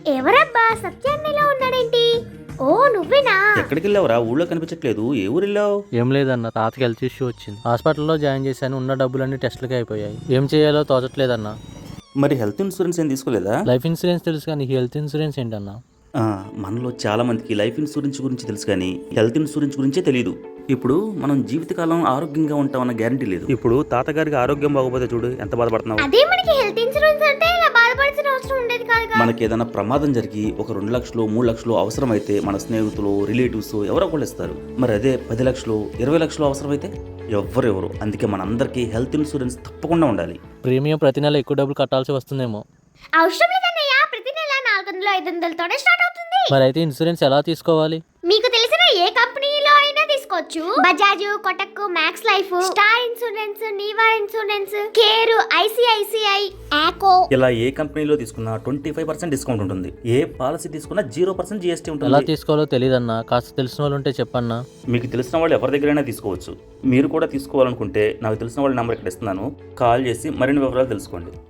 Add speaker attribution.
Speaker 1: ఎవరబ్బా సత్యాన్నలో ఉన్నాడేంటి? ఓ నువ్వేనా?
Speaker 2: ఎక్కడికి వెళ్ళావురా? ఊళ్ళో కనిపించట్లేదు. ఏ ఊరు వెళ్ళావు?
Speaker 3: ఏం లేదన్న, తాతకి హెల్త్ ఇష్యూ వచ్చింది. హాస్పిటల్లో జాయిన్ చేశాను. ఉన్న డబ్బులన్నీ టెస్టులకి అయిపోయాయి. ఏం చేయాలో తోచట్లేదన్న.
Speaker 2: మరి హెల్త్ ఇన్సూరెన్స్ ఏం తీసుకోలేదా?
Speaker 3: లైఫ్ ఇన్సూరెన్స్ తెలుసు కానీ హెల్త్ ఇన్సూరెన్స్ ఏంటన్నా?
Speaker 2: మనలో చాలా మందికి లైఫ్ ఇన్సూరెన్స్ గురించి తెలుసు కానీ హెల్త్ ఇన్సూరెన్స్ గురించే తెలియదు. ఇప్పుడు మనం జీవితకాలం ఆరోగ్యంగా ఉంటామన్న గ్యారంటీ లేదు. ఇప్పుడు తాతగారికి ఆరోగ్యం బాగోపోతే చూడు ఎంత బాధపడుతున్నావు.
Speaker 1: అదే మనకి హెల్త్ ఇన్సూరెన్స్ అంటే ఇలా బాధపడాల్సిన అవసరం ఉండేది కాదు.
Speaker 2: మనకి ఏదైనా ప్రమాదం జరిగి ఒక 2 లక్షలు 3 లక్షలు అవసరమైతే మన స్నేహితులు రిలేటివ్స్ ఎవరో ఒకళ్ళు ఇస్తారు. మరి అదే 10 లక్షలు 20 లక్షలు అవసరమైతే ఎవరు. అందుకే మనందరికీ హెల్త్ ఇన్సూరెన్స్ తప్పకుండా ఉండాలి.
Speaker 3: ప్రీమియం ప్రతి నెల ఎక్కువ డబ్బులు కట్టాల్సి వస్తుందేమో.
Speaker 1: అవసరం లేదన్నయ్య, ప్రతి నెల 400-500తోనే స్టార్ట్ అవుతుంది.
Speaker 3: మరి అయితే ఇన్సూరెన్స్ ఎలా తీసుకోవాలి?
Speaker 1: మీకు తెలిసిన ఏ కంపెనీలో అయినా తీసుకోవచ్చు. Bajaj, Kotak, max life, star insurance, Niva insurance, care, ICICI, Acko.
Speaker 2: ఇలా ఏ కంపెనీలో తీసుకున్నా 25% డిస్కౌంట్ ఉంటుంది. ఏ పాలసీ తీసుకున్నా 0% GST ఉంటుంది.
Speaker 3: ఎలా తీసుకోవాలో తెలియదన్నా, కాస్త తెలిసిన వాళ్ళు ఉంటే చెప్పన్నా.
Speaker 2: మీకు తెలిసిన వాళ్ళు ఎవరి దగ్గరైనా తీసుకోవచ్చు. మీరు కూడా తీసుకోవాలనుకుంటే నాకు తెలిసిన వాళ్ళ నెంబర్ ఇక్కడ ఇస్తున్నాను. కాల్ చేసి మరిన్ని వివరాలు తెలుసుకోండి.